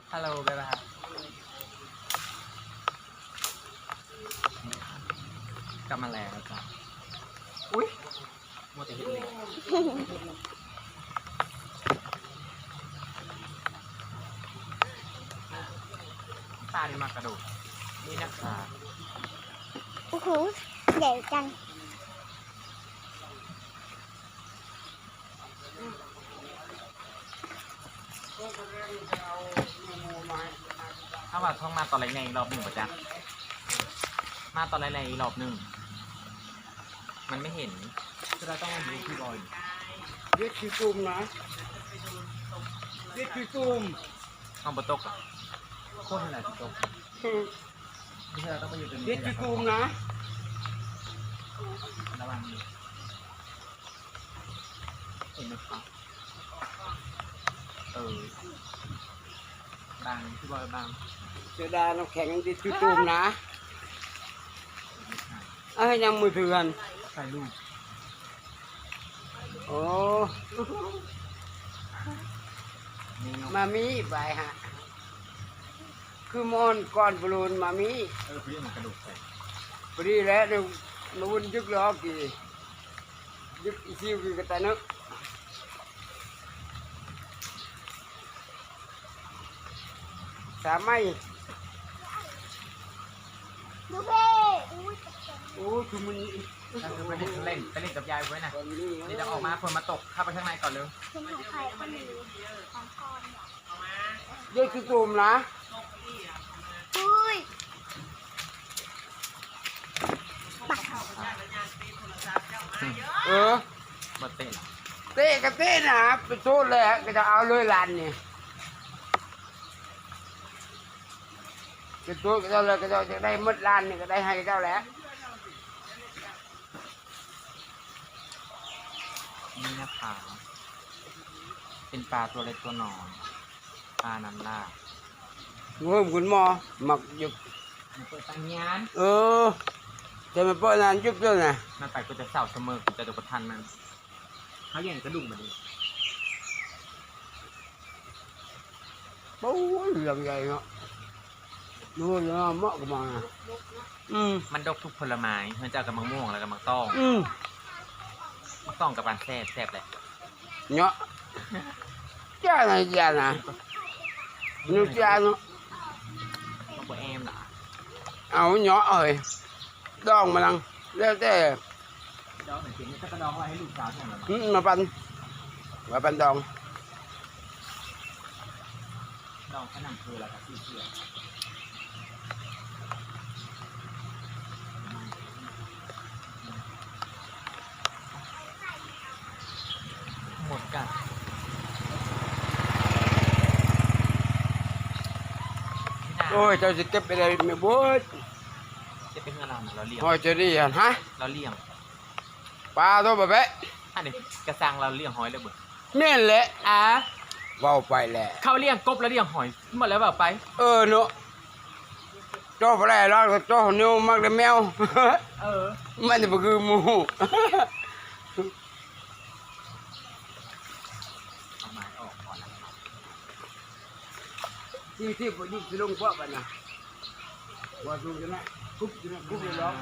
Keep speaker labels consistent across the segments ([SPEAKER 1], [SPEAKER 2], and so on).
[SPEAKER 1] ฮัลโหลบ๊ายบายกลับมาแล้วจ้ะอุ้ยโมเตหินเลยตาดีมากกระโดดนี่นะคะ
[SPEAKER 2] โอ้โหใหญ่จัง
[SPEAKER 1] ถ้าว่าท่องมาตอนไรในรอบหนึ่งป่ะจ๊ะมาตอนไรในรอบหนึ่งมันไม่เห็นเราต้องมาดูที่บอย
[SPEAKER 3] เด็ดคือตุ่มนะเด็ดคือตุ่ม
[SPEAKER 1] ห้องบนโต๊ะโคตรอะไรที่โต๊ะไม่ใช่เราต้องไปอยู่ตรงนี้
[SPEAKER 3] เด็ดคือตุ่มนะ
[SPEAKER 1] ระวังเห็นไหมครับบางที่บอยบาง
[SPEAKER 3] เสือดาน้ำแข็งเด็ดคือตุ่มนะยังมือถือกัน
[SPEAKER 1] ใส่ลูก
[SPEAKER 3] โอ้มามีไปฮะคือมอนก่อนบอลลูนมามี
[SPEAKER 1] พี่มันกระดูกใส่
[SPEAKER 3] พอดีแล้วเดี๋ยวมาวุ่นยึกล้อกี่ยึกอีซิวกี่กระตานึกสามไม่
[SPEAKER 2] ดูเพ่
[SPEAKER 3] โอ้คือมัน
[SPEAKER 1] ไปเล่นกับยายไว้นะเดี๋ยวจะออกมาคนมาตกเข้าไปข้างในก่อนเร็ว
[SPEAKER 2] คุณของใครคนหนึ่งของกอน
[SPEAKER 3] เด็กคือตุ่มนะ
[SPEAKER 2] อุ้ย
[SPEAKER 1] มาเต้น
[SPEAKER 3] เต้กับเต้นะไปโทษเลยก็จะเอาเลยลานนี่ก็โทษก็จะเลยก็จะได้มดลานนี่ก็ได้ให้เจ้าแล้ว
[SPEAKER 1] นี่นะคะเป็นปลาตัวเล็กตัวน้อยปลาน้ำลา
[SPEAKER 3] เพิ่มคุณหมอหมักหยุด
[SPEAKER 1] เปิดตังยาน
[SPEAKER 3] จะมาเปิดนานยุบด้วยนะ
[SPEAKER 1] มันไปก็จะเศร้าเสมอกูจะดูประทันมันเขาอย่างกระดุมมาดิ
[SPEAKER 3] โอ้ยเรื่องใหญ่เนาะดูเนาะเหมาะกับมัน
[SPEAKER 1] มันดกทุกผลไม้มันจะกับมะม่วงแล้วกับมะต้องมะต้องกับปลาแซ่บเลย
[SPEAKER 3] เนาะจ้าไหนจ้านะนึกจ้าเนาะ
[SPEAKER 1] มะกรูดแอมเหรอ
[SPEAKER 3] เอาเนาะเอ้ยดองมาลังแล้วแต่
[SPEAKER 1] ดองเหมือนกินจะกระดองไว้ให้ลูกสาวใช่ไหม
[SPEAKER 3] มาปันดอง
[SPEAKER 1] ดองขนมคืออะไรครับพี่เชื่อหมดกัน
[SPEAKER 3] โอ้ยเจ้าจะเก็บไปได้ไม่บ่
[SPEAKER 1] จะเป็นเงินเราเลี้ยง
[SPEAKER 3] โอ้ยจะดีฮะ
[SPEAKER 1] เราเลี้ยง
[SPEAKER 3] ปลาตัวแบบ
[SPEAKER 1] อันนี้กระซังเราเลี้ยงหอยเลยบุญ
[SPEAKER 3] แม่นแหละว่าไปแหละ
[SPEAKER 1] เขาเลี้ยงกบแล้วเลี้ยงหอยหมดแล้วแบบไป
[SPEAKER 3] เนาะเจ้าอะไรแล้วเจ้าเนื้อมากเลยแมวมันจะคือหมู
[SPEAKER 1] เอาไม้ออกก่อนนะ
[SPEAKER 3] ที่ผมยิ่งจะลงเพราะกันนะว่าดูจะนะคุบจะนะคุบเลยร้อง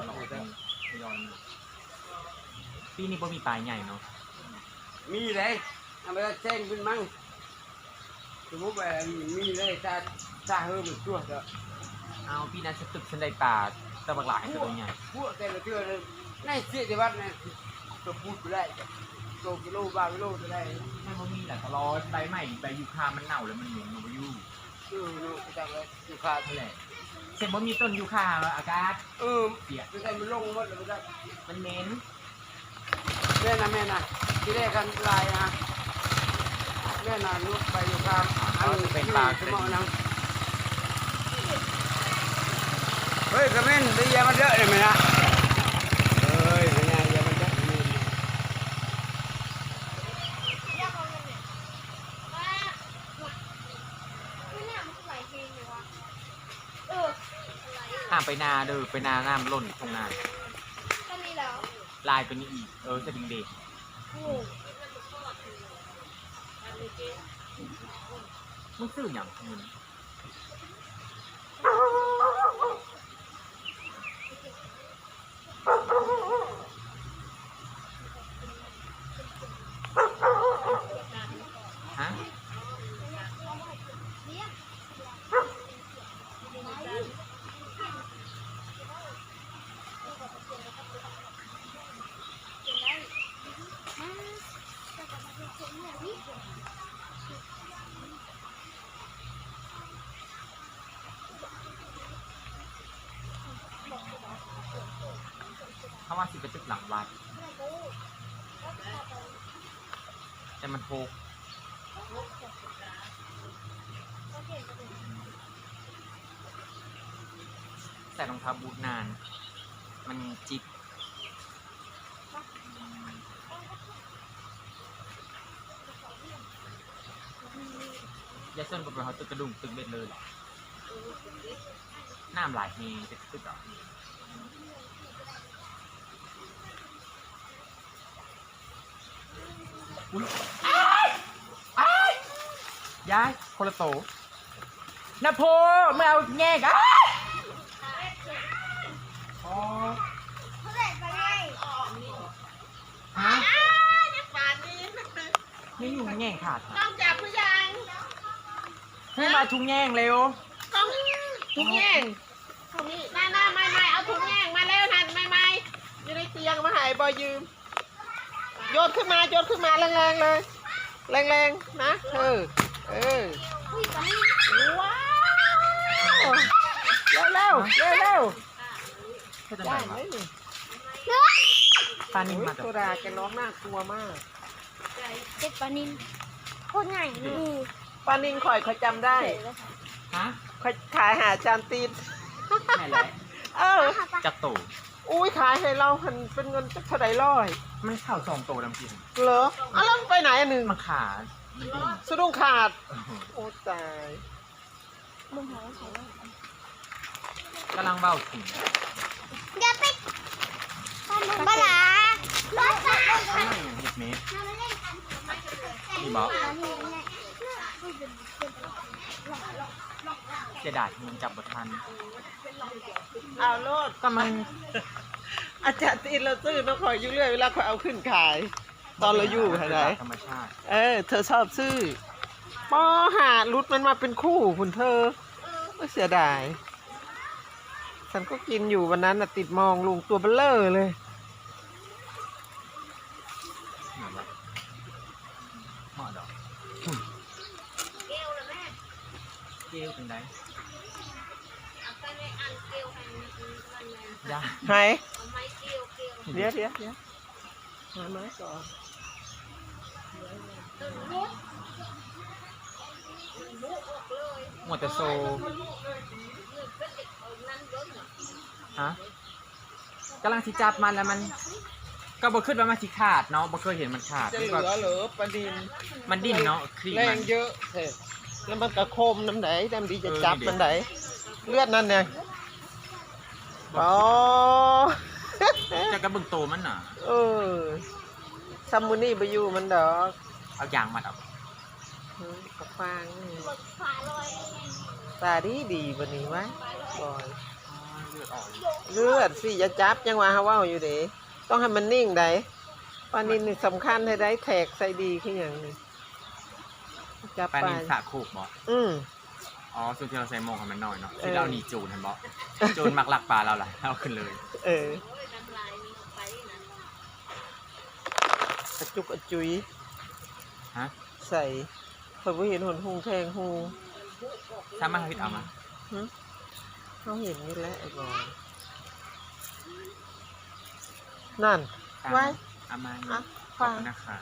[SPEAKER 1] ปีนี้บ่มีปลายใหญ่เนาะ
[SPEAKER 3] มีเลยทำไมแจ้งขึ้นมั่งสมมติว่ามีเลยซาเฮิร์มชั่วเถอะ
[SPEAKER 1] เอาปีนั้นฉันตึกฉันได้ปลาตะบักหลายตัวใหญ่
[SPEAKER 3] พวกแต่ละเชื่อเลยในเสียที่วัดเนี่ยตัวพูดไปได้ตัวกิโลบากิโลจะได้
[SPEAKER 1] ไม่บ่มีแหละตลอดใบใหม่ใบยูคามันเน่าแล้วมันเหม็นมันยู่
[SPEAKER 3] เนาะจังเลยยูคา
[SPEAKER 1] เท่าไหร่เสร็จบ่มีต้นยูคาอากาศ
[SPEAKER 3] เสียไม่ได้มันลงหมดเลย
[SPEAKER 1] มันเหม็น
[SPEAKER 3] แม่นะที่แรกกันลายนะแม่นะลูกไปยูคา
[SPEAKER 1] อันนี้เป็นปลาเป็น
[SPEAKER 3] เฮ้ยกระเม็นได้ยามันเยอะเลยไหมนะเฮ้ยเป็นไงยามันเยอะ
[SPEAKER 1] ห้ามไปนาเด้อไปนาน้ำล้นตรงนาลายตัวนี้อีกสดิงเด็กมึงซื้ออย่างมึงฮะเขาว่าสิไปตึกหลังวัดแต่มันโหกใส่รองเท้าบูทนาน มันจิบยาเส้นกับเราตึกกระดุมตึกเบ็ดเลยเหรอน้ำหลายเฮจะตึกเหรออุ้ยย้ายคนละโตนะโพไม่เอาแง่กันอ๋อฮะนี่อยู่แง่งขาดค่ะ
[SPEAKER 4] ต้องจับผู้ยัง
[SPEAKER 1] ให้มาทุงแง่งเร็ว
[SPEAKER 4] ต้องถุงแย่งหน้าไม่เอาถุงแย่งมาแล้วทันไม่อยู่ในเตียงมาหายบอยยืมโยนขึ้นมาแรงๆเลยแรงๆนะว้าวเร็ว
[SPEAKER 1] ก็จะ
[SPEAKER 4] ได้
[SPEAKER 1] ไหน
[SPEAKER 4] ไหม
[SPEAKER 1] วะ
[SPEAKER 4] นี่
[SPEAKER 1] ปลานิ่มมาจาก
[SPEAKER 4] โซดาแกร้องน่ากลัวมาก
[SPEAKER 2] เจ็ดปลานินโคตรง่ายนี่
[SPEAKER 4] ปานิงข่อยเขาจำได้
[SPEAKER 1] ฮะ
[SPEAKER 4] ข่อยขายหาจานตีน
[SPEAKER 1] ไหนแหละ จากโต
[SPEAKER 4] อุ้ยขายให้เราหันเป็นเงินจะเท่าไหร่ร้อย
[SPEAKER 1] มันเข่าสองโตดำกิน
[SPEAKER 4] เหรอแล้วมันไปไหนอันหนึ่ง
[SPEAKER 1] มันขาดมันดิ้น
[SPEAKER 4] สะดุ้งขาด
[SPEAKER 1] เออ
[SPEAKER 4] โอ้ตาย
[SPEAKER 2] มึงหาว่าใครว่าก
[SPEAKER 1] ำลังเบ้าถึง
[SPEAKER 2] อย่าไปปลาหลารถจักรยาน
[SPEAKER 1] ข้างในอย่างเห็ดเมตร
[SPEAKER 2] เรามาเล่นกัน
[SPEAKER 1] นี่บอก
[SPEAKER 2] ปลานิลเนี่ย
[SPEAKER 1] เสียดายที่มันจับบททัน
[SPEAKER 4] เอาโลด
[SPEAKER 1] ก็มัน
[SPEAKER 4] อาจารย์ตีนเราซื้อน้องข่อยอยู่เรื่อยเวลาข่อยเอาขึ้นขาย ตอนเราอยู่ไหน
[SPEAKER 1] ธรรมชาติ
[SPEAKER 4] เธอชอบซื้อปอหารุดมันมาเป็นคู่คุณเธอเสียดาย ฉันก็กินอยู่วันนั้นน่ะติดมองลุงตัวเบลเลอร์เลย
[SPEAKER 1] เหมือนว่าเหมาะดอกเกลเป็นไงยา
[SPEAKER 4] ไหนเดี๋ยวมาไหมก่อน
[SPEAKER 1] หมดแต่โซฮะกำลังสิจับมันแล้วมัน ก็บ่ขึ้นว่ามันสิขาดเนาะบ่เคยเห็นมันขาด
[SPEAKER 4] จะเหลื
[SPEAKER 1] ก็
[SPEAKER 4] อเหรอปลาดิน
[SPEAKER 1] มันดิ้นเนาะครีม
[SPEAKER 4] แร
[SPEAKER 1] มั
[SPEAKER 4] ง
[SPEAKER 1] น
[SPEAKER 4] เยอะเถอะแล้วมันกระโคมน้ำไหนน้ำดีจะจับ
[SPEAKER 1] เออนี่ดิ
[SPEAKER 4] มันไหนเลือดนั่นเนี่ยอ๋อ
[SPEAKER 1] จะกระเบึงโตมันน่ะ
[SPEAKER 4] ซัมมูนี่ไปอยู่มันดอก
[SPEAKER 1] เอายางมัดเอา
[SPEAKER 4] กระฟางนี่ตาดีบันนี้วะบอย
[SPEAKER 1] อ๋อเลือดออก
[SPEAKER 4] เลือดสิอย่าจับยังว่าฮาว่าอยู่เด้ต้องให้มันนิ่งได้ปลานินนี่สำคัญให้ได้แทกใส่ดีขึ้นอย่างนี้จับ
[SPEAKER 1] ปลา
[SPEAKER 4] ไป
[SPEAKER 1] นินสาคูกบ่ อ๋อส่วนที่เราใส่หมองของมันน้อยเนาะที่เราหนีจูนเห็นบ่จูนมักลักปลาเราล่ะเอาขึ้นเลย
[SPEAKER 4] กระจุกกระจุย
[SPEAKER 1] ฮะ
[SPEAKER 4] ใส่เพิ่นบ่เห็นหนหุงแทงหู
[SPEAKER 1] ถ้ามาพิดเอามา
[SPEAKER 4] เขาเห็นนี่แหละไอ้บอยนั่น
[SPEAKER 1] ตาม
[SPEAKER 4] ไว้
[SPEAKER 1] เอามา
[SPEAKER 4] อ่ะ
[SPEAKER 1] ขอบ
[SPEAKER 4] ฟัง
[SPEAKER 1] คุณนะคะ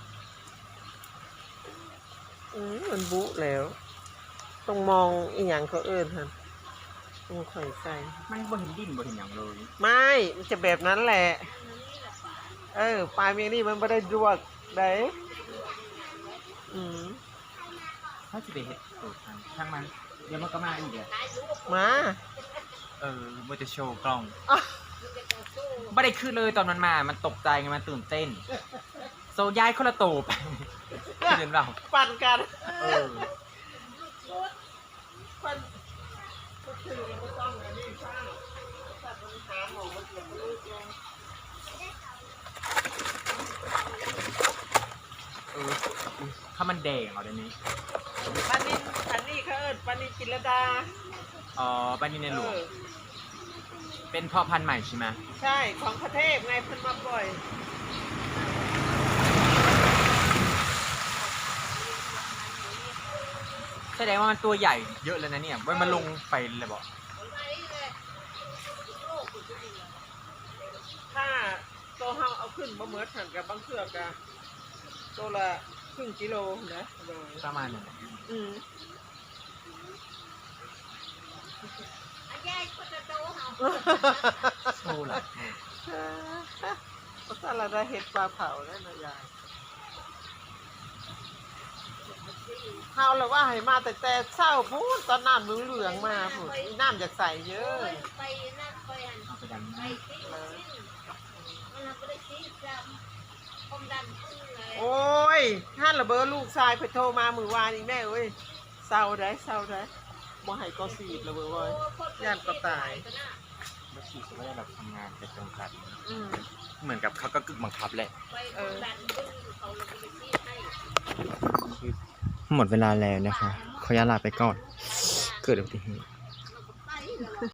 [SPEAKER 4] มันบุแล้วต้องมองอีหยังเขาเอิ้นหั่นต้องข่อยใส่
[SPEAKER 1] มันบ่เห็นดิ้นบ่เห็นหยังเลย
[SPEAKER 4] ไม่มันจะแบบนั้นแหละ ปลายเมียนี่มันไม่ได้ดวกได้ม
[SPEAKER 1] ถ้าจะไปเฮ็ดตูดมันช่างมันเดี๋ยวมันก็มาอีกแหละ
[SPEAKER 4] มา
[SPEAKER 1] บ่จะโชว์กล้อง
[SPEAKER 4] อ่ะ
[SPEAKER 1] บ่ได้ขึ้นเลยตอนมันมา มันตกใจไงมันตื่นเต้น โซย้ายคนละโตไปเห็นเปล่า
[SPEAKER 4] ปั่นกัน
[SPEAKER 1] เออ
[SPEAKER 4] คือมันก็ต้องอันนี้สร้างถ้ามันหาหมอมันเกิดลูกลง
[SPEAKER 1] ถ้ามันแดงเอาเดี๋ยวนี้
[SPEAKER 4] ปลานินอันนี้เขาเอิ้นปลานินจิรดา
[SPEAKER 1] บ้านนี้ในหลวง
[SPEAKER 4] เออ
[SPEAKER 1] เป็นพ่อพันธุ์ใหม่ใช่ไหม
[SPEAKER 4] ใช่ของประเทศไงเพิ่นมาปล่อย
[SPEAKER 1] แสดงว่ามันตัวใหญ่เยอะเลยนะเนี่ยมันลงไปเลยบอก
[SPEAKER 4] ถ้าโตเฮาเอาขึ้นบ่เหมือนกันกับบางเทื่อกะโตละครึ่งกิโลนะโดย
[SPEAKER 1] ประมาณนั้น
[SPEAKER 4] อืม
[SPEAKER 1] โอ้ล่ะ
[SPEAKER 4] ภาษาละได้เห็ดปลาเผาแล้วนะยายเฮาเลยว่าให้มาแต่เช้าพูดตอนน้ำเหลืองๆมาพูดน้ำจากใสเยอะ
[SPEAKER 2] ไปนั่นไปหัน
[SPEAKER 1] เอาไปดัน
[SPEAKER 2] ไปที่มันไม่ได้ที่จำความดันขึ้นเลย
[SPEAKER 4] โอ้ยท่านระเบ้อลูกชายไปโทรมามือวานอีกแม่เอ้ยเศร้าได้บ่ให้ก็สีดระเบ้อเว้ยย่านก็ตาย
[SPEAKER 1] แล้วฉีดก็ได้แบบทำงานเป็นจำกัด
[SPEAKER 4] อืม
[SPEAKER 1] เหมือนกับเขาก็กึ่งบังคับแหละ
[SPEAKER 2] ไปความดันขึ้นเขาเลยไปที่ให้
[SPEAKER 1] หมดเวลาแล้วนะคะขออนุญาตลาไปก่อน เกิดอุบัติเหตุ